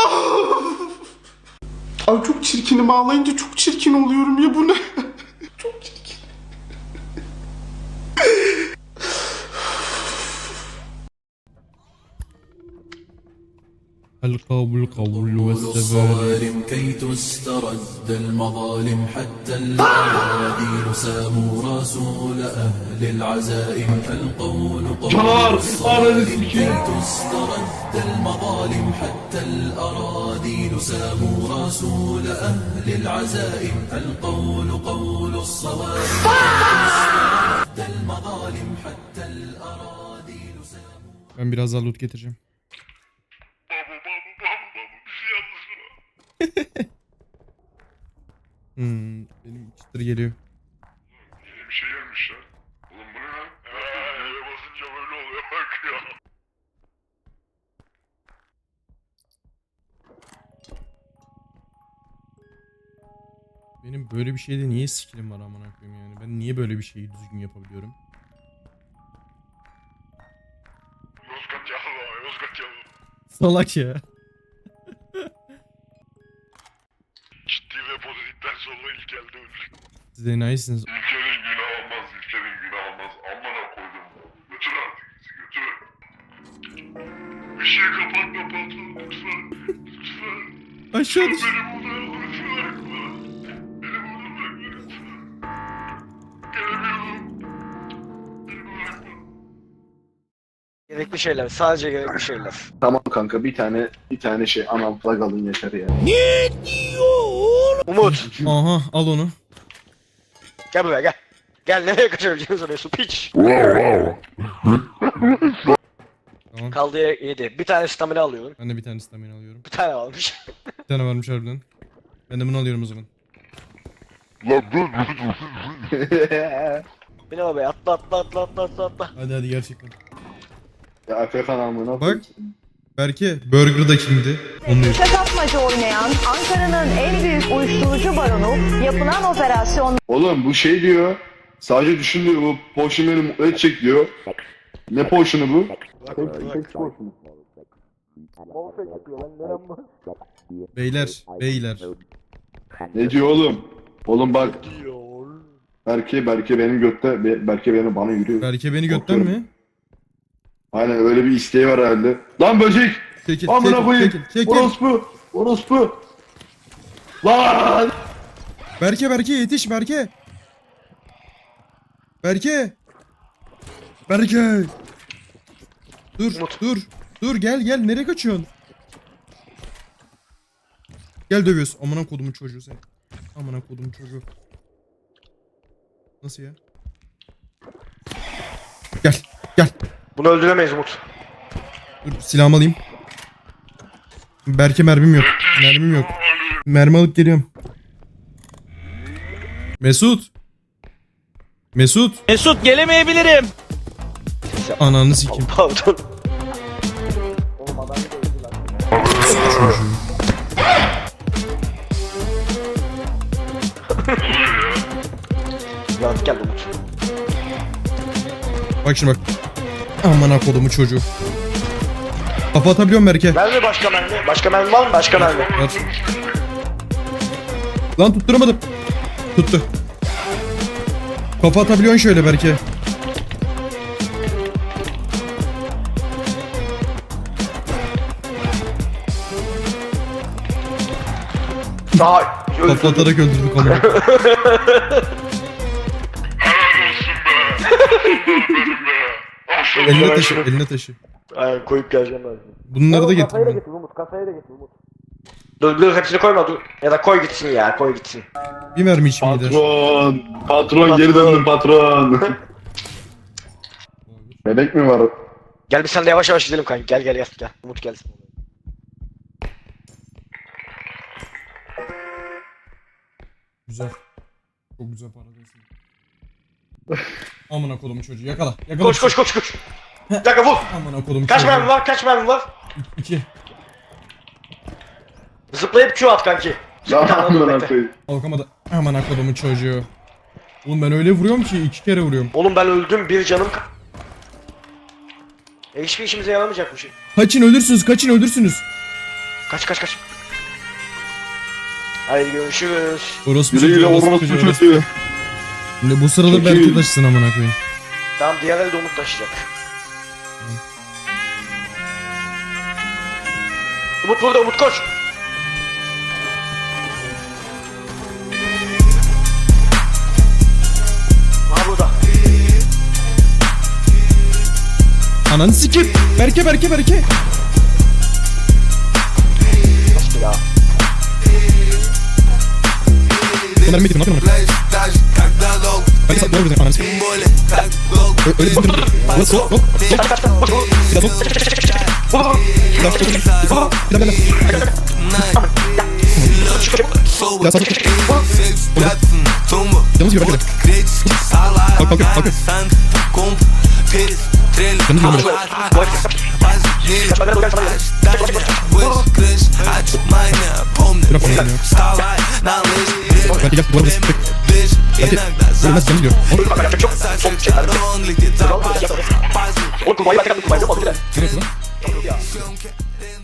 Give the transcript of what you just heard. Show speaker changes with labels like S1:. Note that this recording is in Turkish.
S1: Ay çok çirkinim, ağlayınca çok çirkin oluyorum ya, bu ne? Çok çirkin.
S2: القول قول والسبال
S3: كي تسترد المظالم حتى الأراضين ساموا رسول أهل العزائم القول قول الصارم كي تسترد المظالم حتى الأراضين ساموا رسول أهل العزائم القول قول الصوارم تسترد المظالم حتى الأراضين ساموا.
S2: Ben biraz daha loot getireceğim. Benim çıtır geliyor.
S4: Yeni bir şey gelmiş lan. Oğlum bu ne lan? Eve basınca böyle oluyor bak ya.
S2: Benim böyle bir şeyde niye skillim var amına koyayım yani? Ben niye böyle bir şeyi düzgün yapabiliyorum?
S4: Yozgat yalı, Yozgat yalı.
S2: Salak ya.
S4: Ciddi ve pozitiften sonra ilk elde öldü.
S2: Siz de nayısınız.
S4: İlker'in günah olmaz, İlker'in günah olmaz. Amına koydum. Götür artık bizi, götür. Işığı kapatma patron, lütfen. Lütfen.
S2: Aşağı düş.
S4: Beni burada yalnız bırakma. Beni burada bırakma lütfen. Gelemiyorum. Beni bırakma.
S5: Gerekli şeyler, sadece gerekli şeyler.
S1: Tamam kanka, bir tane şey anam flag alın yeter ya.
S5: Umut,
S2: Aha al onu.
S5: gel buraya gel. Gel, nereye kaçabileceğini soruyorsun piç.
S2: Tamam.
S5: Kaldı 7. Bir tane stamina alıyorum.
S2: Ben de bir tane stamina alıyorum.
S5: Bir tane almış.
S2: Bir tane varmış harbiden. Ben de bunu alıyorum o zaman.
S5: Bin arabaya atla.
S2: Hadi hadi gerçekten.
S1: Ya Afrikan amına.
S2: Bak. Berke Burger da kimdi? Onu diyor.
S6: Şakatmaca oynayan Ankara'nın en büyük uyuşturucu baronu yapılan operasyon
S1: Oğlum bu şey diyor. Sadece düşün diyor, bu potion beni mutlu edecek diyor. Ne potion'u bu?
S2: Beyler.
S1: Ne diyor oğlum? Oğlum bak. Berke benim götte, Berke bana yürüyor.
S2: Berke beni götten mi?
S1: Aynen öyle bir isteği var herhalde. Lan böcek!
S2: Çekil,
S1: Amına koyayım!
S2: çekil.
S1: Orospu! Lan!
S2: Berke yetiş Berke. Berke. Dur gel nereye kaçıyorsun? Gel dövüyoruz. Amına kodumun çocuğu sen. Amına kodumun çocuğu. Nasıl ya? Gel.
S5: Bunu öldüremeyiz Umut.
S2: Dur silahımı alayım. Berke mermim yok. Mermi alıp geliyorum. Mesut gelemeyebilirim. Ananı sikeyim.
S5: Pardon. Rahat gel Umut.
S2: Bak şimdi bak. Amına kodumun çocuğu. Kafa atabiliyorum Berke.
S5: Mermi başka mermi. Başka mermi var mı? Başka mermi.
S2: Var. Lan tutturamadım. Tuttu. Kafa atabiliyorsun şöyle Berke.
S5: Daha
S2: Kafa atarak öldürdük onu.
S4: Helal olsun be. Benim be. Asıl
S2: Eline taşı.
S5: Aynen, koyup geleceğim ben.
S2: Bunları da getir.
S5: Kasayı da getir Umut. Kasayı da getir Umut. Dur hepsini koyma dur. Ya da koy gitsin ya, koy gitsin.
S2: Bir mermi içim gider.
S1: Patron geri döndüm patron. Bebek mi var?
S5: Gel biz sen de yavaş gidelim kanka. Gel. Umut gelsin.
S2: Güzel. Çok güzel para diyorsun. Amına kodumun çocuğu yakala.
S5: Koş. Bir dakika vur.
S2: Amına kodumun
S5: Kaç
S2: çocuğu.
S5: mermi var?
S2: 2.
S5: Zıplayıp Q at kanki.
S1: Lan
S5: Tamam,
S1: amına
S5: bekle.
S1: koyayım.
S2: Kalkamadı. Amına kodumun çocuğu. Oğlum ben öyle vuruyorum ki 2 kere vuruyorum.
S5: Oğlum ben öldüm, bir canım hiçbir işimize yaramayacak bu şey.
S2: Kaçın ölürsünüz.
S5: Kaç. Haydi görüşürüz.
S2: Orospu
S1: Güle güle
S2: çocuğu, orospu
S1: orospu
S2: çocuğu, orospu.
S1: çocuğu.
S2: Şimdi bu sırada
S1: Çekil.
S2: Berke taşısın amına koyayım.
S5: Tamam diğer elde Umut taşıyacak. Umut burada, Umut koş. Aha burada.
S2: Ananı sikeyim. Berke.
S5: Nasıl ya?
S2: Bunlar medik ne yapıyorsun? Berke sat ne olur ananı sikeyim. Öyle bir bakın. Ulan sok.
S5: Kaç.
S2: Bir daha sok. Bir daha sok. Bir daha. Ya sağ sok. Yalnız yürü Berke. Kalk. Yalnız yürü Berke. Berke gel duvara basın. Berke. Ölmez yalnız yürü.
S5: Oğlum kurbağayı ben tek atdım, kurbağayı yok mu?
S2: Nereye lan?